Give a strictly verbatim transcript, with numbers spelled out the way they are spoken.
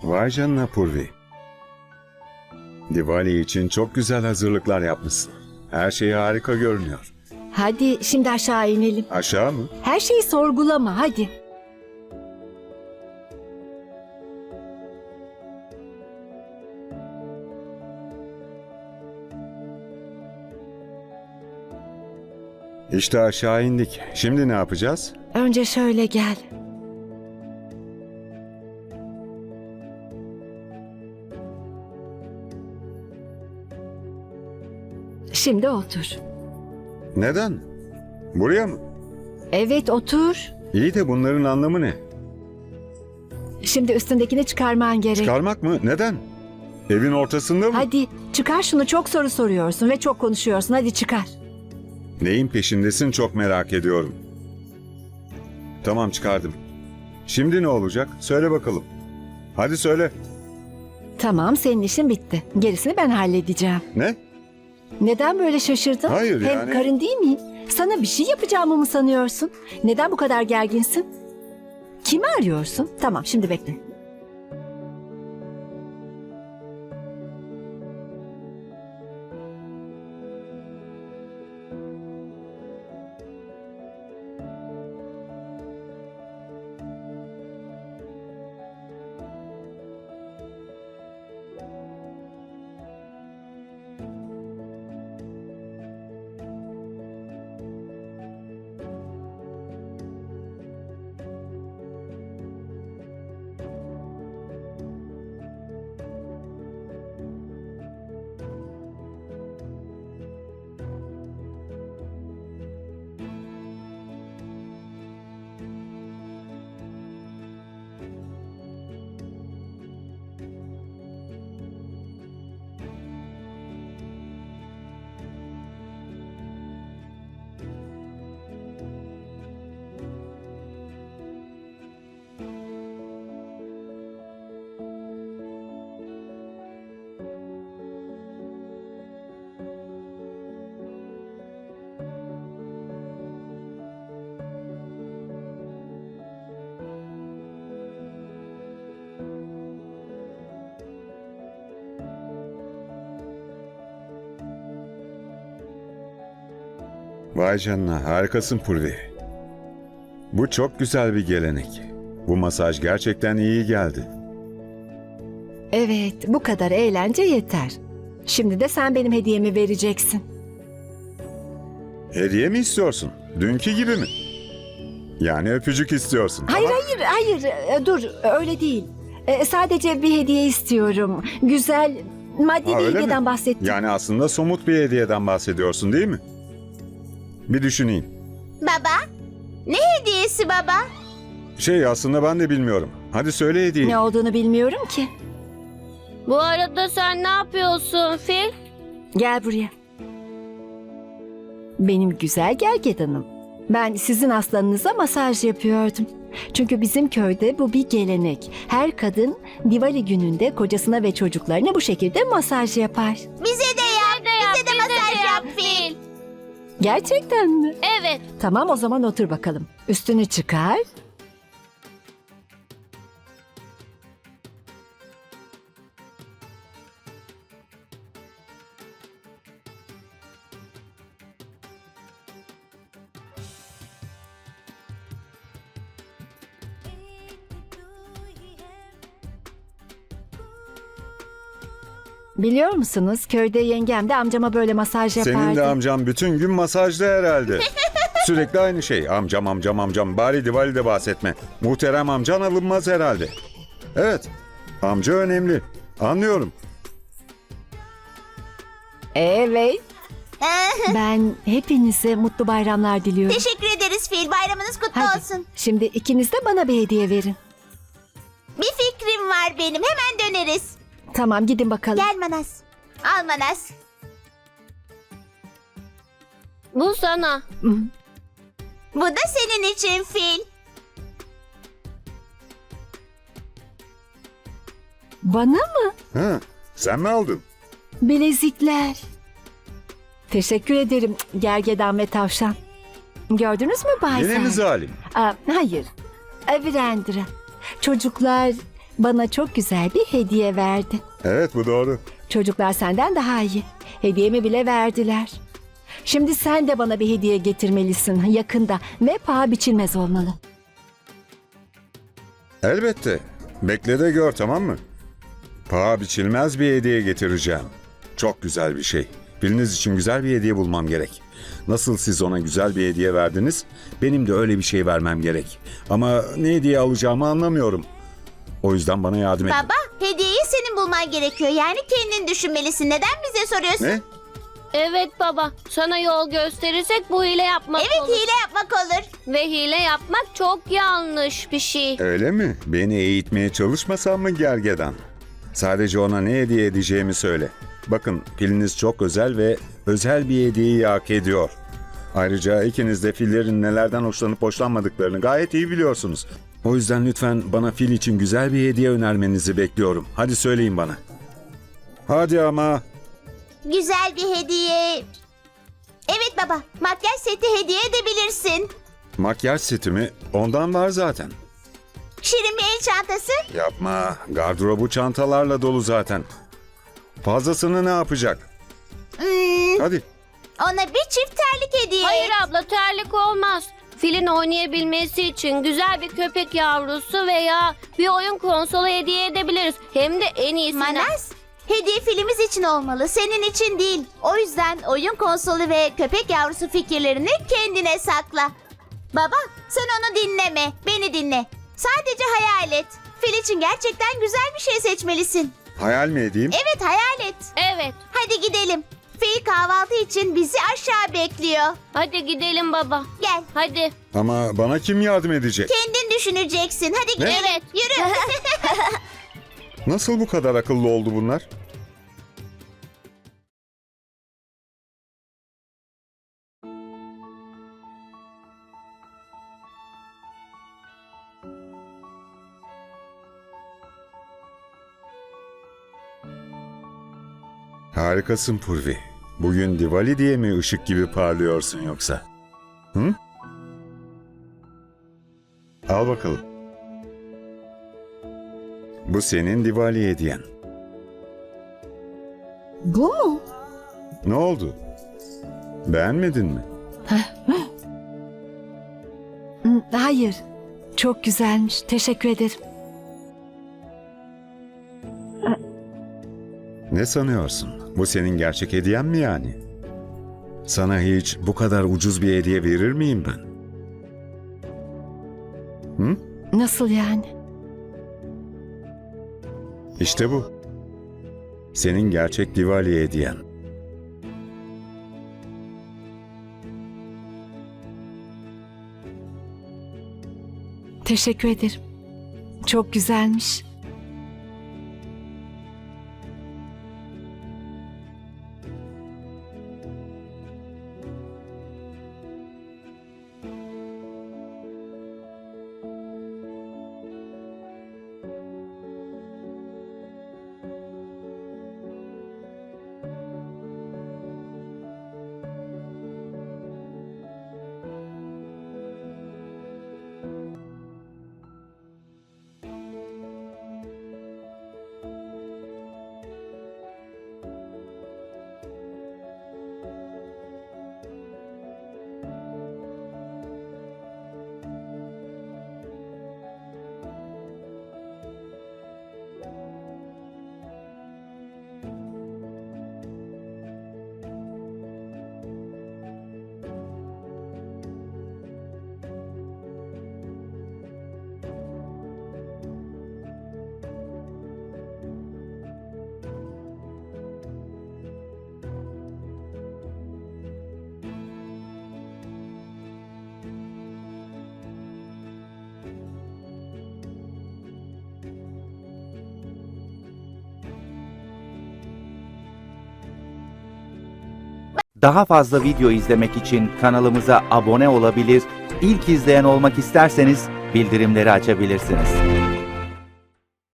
Vay canına Purvi. Diwali için çok güzel hazırlıklar yapmışsın. Her şey harika görünüyor. Hadi şimdi aşağı inelim. Aşağı mı? Her şeyi sorgulama hadi. İşte aşağı indik. Şimdi ne yapacağız? Önce şöyle gel. Şimdi otur. Neden? Buraya mı? Evet otur. İyi de bunların anlamı ne? Şimdi üstündekini çıkarman gerek. Çıkarmak mı? Neden? Evin ortasında mı? Hadi çıkar şunu, çok soru soruyorsun ve çok konuşuyorsun. Hadi çıkar. Neyin peşindesin çok merak ediyorum. Tamam çıkardım. Şimdi ne olacak? Söyle bakalım. Hadi söyle. Tamam, senin işin bitti. Gerisini ben halledeceğim. Ne? Neden böyle şaşırdın? Hayır, Hem yani- karın değil miyim? Sana bir şey yapacağımı mı sanıyorsun? Neden bu kadar gerginsin? Kimi arıyorsun? Tamam, şimdi bekle. Vay canına, harikasın Purvi. Bu çok güzel bir gelenek. Bu masaj gerçekten iyi geldi. Evet, bu kadar eğlence yeter. Şimdi de sen benim hediyemi vereceksin. Hediye mi istiyorsun? Dünkü gibi mi? Yani öpücük istiyorsun. Hayır, Ama hayır, hayır. E, Dur, öyle değil. E, Sadece bir hediye istiyorum. Güzel, maddi Ha, bir öyle hediyeden mi? bahsettim. Yani aslında somut bir hediyeden bahsediyorsun değil mi? Bir düşüneyim. Baba, ne hediyesi baba? Şey aslında ben de bilmiyorum. Hadi söyle hediyeyi. Ne olduğunu bilmiyorum ki. Bu arada sen ne yapıyorsun Fil? Gel buraya. Benim güzel gergedanım. Ben sizin aslanınıza masaj yapıyordum. Çünkü bizim köyde bu bir gelenek. Her kadın Diwali gününde kocasına ve çocuklarına bu şekilde masaj yapar. Bize de yap, bize de masaj yap Fil. Gerçekten mi? Evet. Tamam, o zaman otur bakalım. Üstünü çıkar. Biliyor musunuz, köyde yengem de amcama böyle masaj yapardı. Senin de amcam bütün gün masajda herhalde. Sürekli aynı şey. Amcam amcam amcam. Bari Diwali'de bahsetme. Muhterem amcan alınmaz herhalde. Evet. Amca önemli. Anlıyorum. Evet. Ben hepinize mutlu bayramlar diliyorum. Teşekkür ederiz Fil. Bayramınız kutlu Hadi, olsun. şimdi ikiniz de bana bir hediye verin. Bir fikrim var benim. Hemen döneriz. Tamam, gidin bakalım. Gel Manas. Al Manas. Bu sana. Hı. Bu da senin için Fil. Bana mı? Ha, sen mi aldın? Bilezikler. Teşekkür ederim gergedan ve tavşan. Gördünüz mü Bay Yine Sen? mi zalim? Aa, hayır. Virendra. Çocuklar bana çok güzel bir hediye verdi. Evet, bu doğru. Çocuklar senden daha iyi. Hediyemi bile verdiler. Şimdi sen de bana bir hediye getirmelisin yakında ve paha biçilmez olmalı. Elbette. Bekle de gör, tamam mı? Paha biçilmez bir hediye getireceğim. Çok güzel bir şey. Biriniz için güzel bir hediye bulmam gerek. Nasıl siz ona güzel bir hediye verdiniz, benim de öyle bir şey vermem gerek. Ama ne hediye alacağımı anlamıyorum. O yüzden bana yardım edin. Baba, hediyeyi senin bulman gerekiyor. Yani kendin düşünmelisin. Neden bize soruyorsun? Ne? Evet baba, sana yol gösterirsek bu hile yapmak Evet, olur. hile yapmak olur. Ve hile yapmak çok yanlış bir şey. Öyle mi? Beni eğitmeye çalışmasan mı gergedan? Sadece ona ne hediye edeceğimi söyle. Bakın, filiniz çok özel ve özel bir hediyeyi hak ediyor. Ayrıca ikiniz de fillerin nelerden hoşlanıp hoşlanmadıklarını gayet iyi biliyorsunuz. O yüzden lütfen bana fil için güzel bir hediye önermenizi bekliyorum. Hadi söyleyin bana. Hadi ama. Güzel bir hediye. Evet baba, makyaj seti hediye edebilirsin. Makyaj setimi ondan var zaten. Şirin bir el çantası. Yapma. Gardırobu çantalarla dolu zaten. Fazlasını ne yapacak? Hmm, Hadi. ona bir çift terlik hediye Hayır et. abla, terlik olmaz. Filin oynayabilmesi için güzel bir köpek yavrusu veya bir oyun konsolu hediye edebiliriz. Hem de en iyisinden. Manas, hediye filmimiz için olmalı, senin için değil. O yüzden oyun konsolu ve köpek yavrusu fikirlerini kendine sakla. Baba, sen onu dinleme, beni dinle. Sadece hayal et. Fil için gerçekten güzel bir şey seçmelisin. Hayal mi edeyim? Evet, hayal et. Evet, Hadi gidelim. Fil kahvaltı için bizi aşağı bekliyor. hadi gidelim baba. Gel. Hadi. Ama bana kim yardım edecek? Kendin düşüneceksin. Hadi gidelim. Evet. Yürü. Nasıl bu kadar akıllı oldu bunlar? Harikasın Purvi. Bugün Diwali diye mi ışık gibi parlıyorsun yoksa? Hı? Al bakalım. Bu senin Diwali hediyen. Bu mu? Ne oldu? Beğenmedin mi? Hmm, hayır. Çok güzelmiş. Teşekkür ederim. Ne sanıyorsun? Bu senin gerçek hediyen mi yani? Sana hiç bu kadar ucuz bir hediye verir miyim ben? Hı? Nasıl yani? İşte bu. Senin gerçek Diwali hediyen. Teşekkür ederim. Çok güzelmiş. Daha fazla video izlemek için kanalımıza abone olabilir, ilk izleyen olmak isterseniz bildirimleri açabilirsiniz.